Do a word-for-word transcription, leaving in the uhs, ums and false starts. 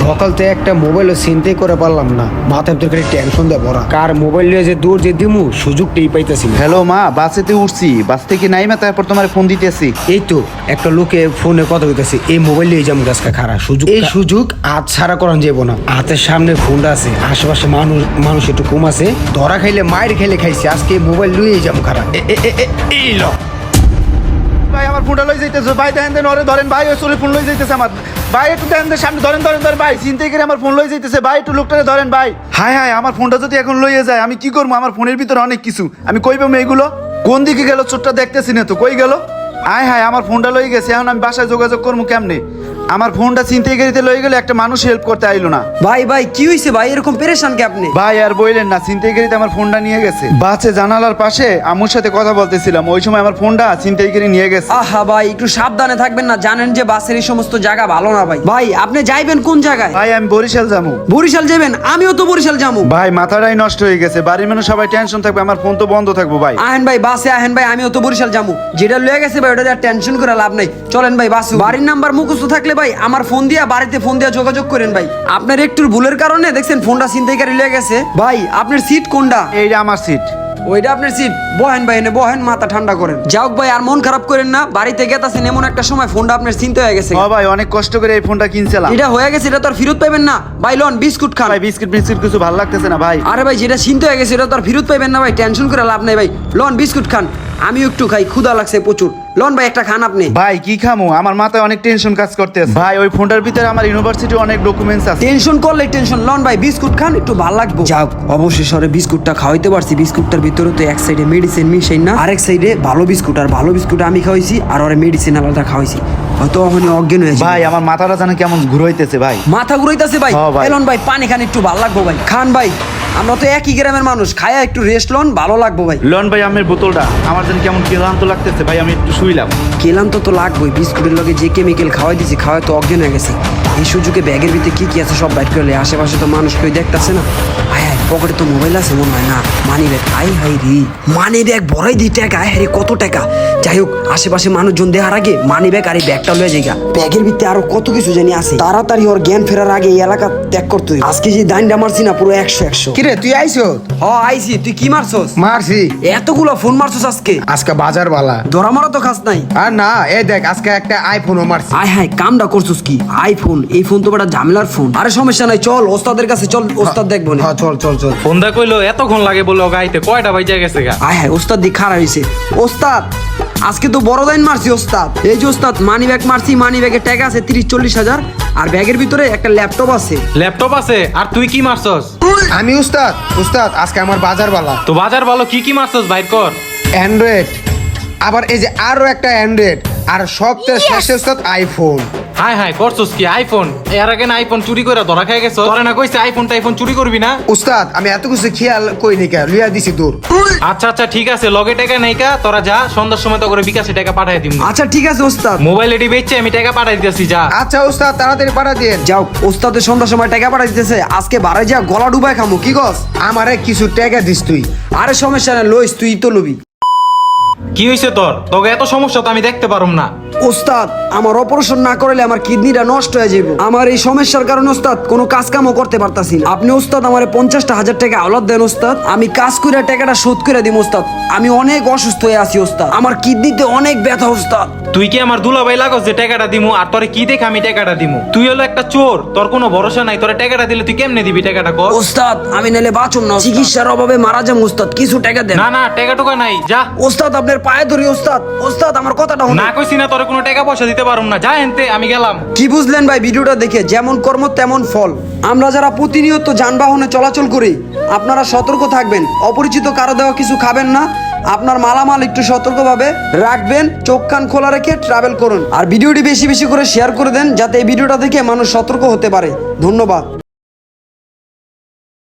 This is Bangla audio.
সকাল থেকে একটা মোবাইলও চিন্তাই করে পারলাম না, মাথায় তোর খালি টেনশন দিয়ে ভরা। কার মোবাইল নিয়ে যে দূর যে দিমু সুযোগটাই পাইতেছি না। হ্যালো মা, বাসেতে উঠছি, বাস থেকে নাইমা তারপর তোমার ফোন দিতেছি। এই তো একটা লোকে ফোনে কথা বলতেছে, এই মোবাইল নিয়ে যাবো গাছকা খারাপ সুযোগ, এই সুযোগ আজ ছাড়া করান যাবো না। হাতের সামনে ফোনটা আছে, আশেপাশে মানুষ মানুষ একটু কম আছে, ধরা খাইলে মায়ের খেলে খাইছে, আজকে মোবাইল নিয়ে যাবো খারাপ। এই ল ভাই আমার ফোনটা লই যাইতেছে, ভাই দেখেন দেন ওরে ধরেন, ভাই ওই চলে ফোন লই যাইতেছে আমার, ভাই একটু দেখেন দেন সামনে ধরেন ধরেন ধরেন, ভাই চিন্তাই করে আমার ফোন লই যাইতেছে, ভাই একটু লোকটারে ধরেন ভাই। হায় হায়, আমার ফোনটা যদি এখন লইয়ে যায় আমি কি করবো? আমার ফোনের ভিতরে অনেক কিছু, আমি কই পাবো এগুলো? কোন দিকে গেল চোরটা দেখতেছি না তো, কই গেল? আয় হায়, আমার ফোনটা লই গেছে, এখন আমি বাসায় যোগাযোগ করবো কেমনে? আমার ফোনটা চিন্তাই করিতে লই গেলে একটা মানুষ হেল্প করতে আইলো না। ভাই ভাই কি হইছে ভাই, এরকম পেরেশান কে আপনি? ভাই আর বইলেন না, চিন্তাই করিতে আমার ফোনটা নিয়ে গেছে। বাসে জানালার পাশে আম্মুর সাথে কথা বলতেছিলাম, ওই সময় আমার ফোনটা চিন্তাই করে নিয়ে গেছে। আহা ভাই একটু সাবধানে থাকবেন না, জানেন যে বাসের এই সমস্ত জায়গা ভালো না ভাই। ভাই আপনি যাইবেন কোন জায়গায়? ভাই আমি বরিশাল যাবো। বরিশাল যাবেন? আমিও তো বরিশাল যাবো। ভাই মাথাটাই নষ্ট হয়ে গেছে, বাড়ির মানুষ সবাই টেনশন থাকবে, আমার ফোন তো বন্ধ থাকবো। ভাই আহেন ভাই বাসে আহেন ভাই, আমিও তো বরিশাল যাবো। যেটা লয়ে গেছে ভাই ওটা টেনশন করে লাভ নাই, চলেন ভাই বাসে। বাড়ির নাম্বার মুখস্থ থাকলে ভাই আমার ফোন দিয়া বাড়িতে ফোন দিয়া যোগাযোগ করেন ভাই। আপনার একটু ভুলের কারণে দেখছেন ফোনটা ছিনতাইকারী লয়ে গেছে। ভাই আপনার সিট কোনটা? এইটা আমার সিট। ওইটা আপনার সিট, বহেন ভাই, এনে বহেন, মাথা ঠান্ডা করেন। যাও ভাই আর মন খারাপ করেন না, বাড়িতে গেতাছেন এমন একটা সময় ফোনটা আপনার চিন্তা হয়ে গেছে। ও ভাই অনেক কষ্ট করে এই ফোনটা কিনছিলাম, এটা হয়ে গেছে, এটা তো আর ফেরত পাইবেন না ভাই। লন বিস্কুট খান ভাই বিস্কিট বিস্কিট কিছু ভালো লাগতেছে না ভাই। আরে ভাই যেটা চিন্তা হয়ে গেছে এটা তো আর ফেরত পাইবেন না ভাই, টেনশন করে লাভ নাই ভাই। লন বিস্কুট খান, আমিও একটু খাই, ক্ষুধা লাগছে প্রচুর। লন ভাই একটা খান আপনি। ভাই কি খামু, আমার মাথায় অনেক টেনশন কাজ করতেছে ভাই। ওই ফোনটার ভিতরে আমার ইউনিভার্সিটি অনেক ডকুমেন্টস আছে। টেনশন করলে টেনশন, লন ভাই বিস্কুট খান, একটু ভালো লাগবে। যাও অবশেষে বিস্কুটটা খাওয়াইতে পারছি। বিস্কুটটার ভিতরে তো এক সাইডে মেডিসিন মিশাই না, আরেক সাইডে ভালো বিস্কুট, আর ভালো বিস্কুট আমি খাওয়াইছি আর ওরে মেডিসিন আলাদা খাওয়াইছি। হয়তো ওখানে অজ্ঞান হয়ে যায়। ভাই আমার মাথাটা জানে কেমন ঘুরাইতেছে ভাই, মাথা ঘুরাইতেছে ভাই। হ্যাঁ ভাই। এলন ভাই পানি খান, একটু ভালো লাগবো ভাই। খান ভাই, আমরা তো একই গ্রামের মানুষ, খায়া একটু রেস্ট লন, ভালো লাগবো ভাই। লন ভাই আমের বোতলটা, আমার জানি কেমন ক্লান্ত লাগতেছে ভাই, আমি একটু শুইলাম। কেলাম তো তো লাগবোই, বিস্কুটের লগে যে কেমিক্যাল খাওয়াই দিছি, খাওয়াই তো অজ্ঞান হয়ে গেছে। এই সুযোগে ব্যাগের ভিতরে কি কি আছে সব বাইট করলে, আশেপাশে তো মানুষ কেউ দেখতেছে না। আয় হায়, পকেটে তো মোবাইল আছে মনে হয় না, মানি ব্যাগ। আই হাই রে, মানি ব্যাগ ভরাই দিই টাকা। আয় হায় কত টাকা। যাই হোক আশেপাশে মানুষজন দেখার আগে মানি ব্যাগ আর এই ব্যাগটা লয়ে যাই। ব্যাগের ভিতরে আরো কত কিছু জানি আছে, তাড়াতাড়ি ওর জ্ঞান ফেরার আগে এই এলাকা ত্যাগ করতে হইব। আজকে যে দাইনটা মারছি না, পুরো একশো একশো। কিরে তুই আইছো? হ আইছি, তুই কি মারছস? মারছি। এতগুলো ফোন মারছস আজকে? আজকে বাজার বালা। ধরা মারা তো খাস নাই। আর না, এই দেখ আজকে একটা আইফোনও মারছি। আয় হায় কামটা করছস কি? আইফোন, এই ফোন তো বড় ঝামেলার ফোন। আরে সমস্যা নাই, চল ওস্তাদের কাছে চল, ওস্তাদ দেখবো না। হ্যাঁ চল চল চল। ফোন দা কইলো এতক্ষণ লাগে বলে গাইতে, কয়টা বাজে গেছে গা? আয় হায় ওস্তাদ দি খারাপ হইছে। ওস্তাদ আজকে তো বড় দাইন মারছি ওস্তাদ। এই যে ওস্তাদ মানি ব্যাগ মারছি, মানি ব্যাগে টাকা আছে তিরিশ চল্লিশ হাজার, আর ব্যাগের ভিতরে একটা ল্যাপটপ আছে। ল্যাপটপ আছে? আর তুই কি মারছস? আমি উস্তাদ, উস্তাদ আজকে আমার বাজার বালা। তো বাজার ভালো, কি কি মারছস বাইর কর। অ্যান্ড্রয়েড, আবার এই যে আরো একটা অ্যান্ড্রয়েড, আর সবচেয়ে শেষে উস্তাদ আইফোন। হাই হাই করছস কি? আইফোন? এর আগে না আইফোন চুরি করে ধরা খেয়ে গেছস? তোরে না কইছে আইফোন টাইফোন চুরি করবি না? উস্তাদ আমি এত কিছু খেয়াল করিনি, কে লইয়া দিছি দূর। আচ্ছা আচ্ছা ঠিক আছে, লগে টাকা নাই কা, তোরা যা, সন্ধ্যার সময় তো করে বিকাশে টাকা পাঠাই দিম। আচ্ছা ঠিক আছে ওস্তাদ। মোবাইল এডি বেচছে আমি টাকা পাঠাই দিতেছি, যা। আচ্ছা উস্তাদ তাড়াতাড়ি পাঠা দিন। যাও ওস্তাদের সন্ধ্যার সময় টাকা পাঠাই দিতেছে, আজকে বারে যা গলা ডুবাই খামু, কি গস? আমারে কিছু টাকা দিস তুই। আরে সমস্যা না, লইস তুই তো লবি। কি হইছে তোর? তোকে এত সমস্যা তো আমি দেখতে পারুম না। ওস্তাদ আমার অপারেশন না করলে আমার কিডনিটা নষ্ট হয়ে যাবে। আমার এই সমস্যার কারণে ওস্তাদ কোনো কাজ কামও করতে পারতাছি না। আপনি ওস্তাদ আমার পঞ্চাশটা হাজার টাকা আওলাদ দেন ওস্তাদ, আমি কাজ করে টাকাটা শোধ করে দিব ওস্তাদ। আমি অনেক অসুস্থ হয়ে আছি ওস্তাদ, আমার কিডনিতে অনেক ব্যথা ওস্তাদ। তুই কি আমার দুলাভাই লাগস যে টাকাটা দিমু? আর তোরে কি দেখে আমি টাকাটা দিমু? তুই হলো একটা চোর, তোর কোনো ভরসা নাই। তোরে টাকাটা দিলে তুই কেমনে দিবি টাকাটা কর? ওস্তাদ আমি নালে বাঁচুন না, চিকিৎসার অভাবে মারা যাম ওস্তাদ, কিছু টাকা দেন। না না টাকা টুকা নাই, যা। ওস্তাদ আপনার পায়ে ধরি ওস্তাদ, ওস্তাদ আমার কথাটা শুনুন। না কইছি না তোরে কোনো টাকা পয়সা দিতে পারুম না, যা এনতে, আমি গেলাম। কি বুঝলেন ভাই ভিডিওটা দেখে? যেমন কর্ম তেমন ফল। আমরা যারা প্রতিনিয়ত যানবাহনে চলাচল করি, আপনারা সতর্ক থাকবেন, অপরিচিত কারো দেওয়া কিছু খাবেন না, আপনার মালামাল একটু সতর্কভাবে রাখবেন, চোখ কান খোলা রেখে ট্রাভেল করুন। আর ভিডিওটি বেশি বেশি করে শেয়ার করে দেন, যাতে এই ভিডিওটা দেখে মানুষ সতর্ক হতে পারে। ধন্যবাদ।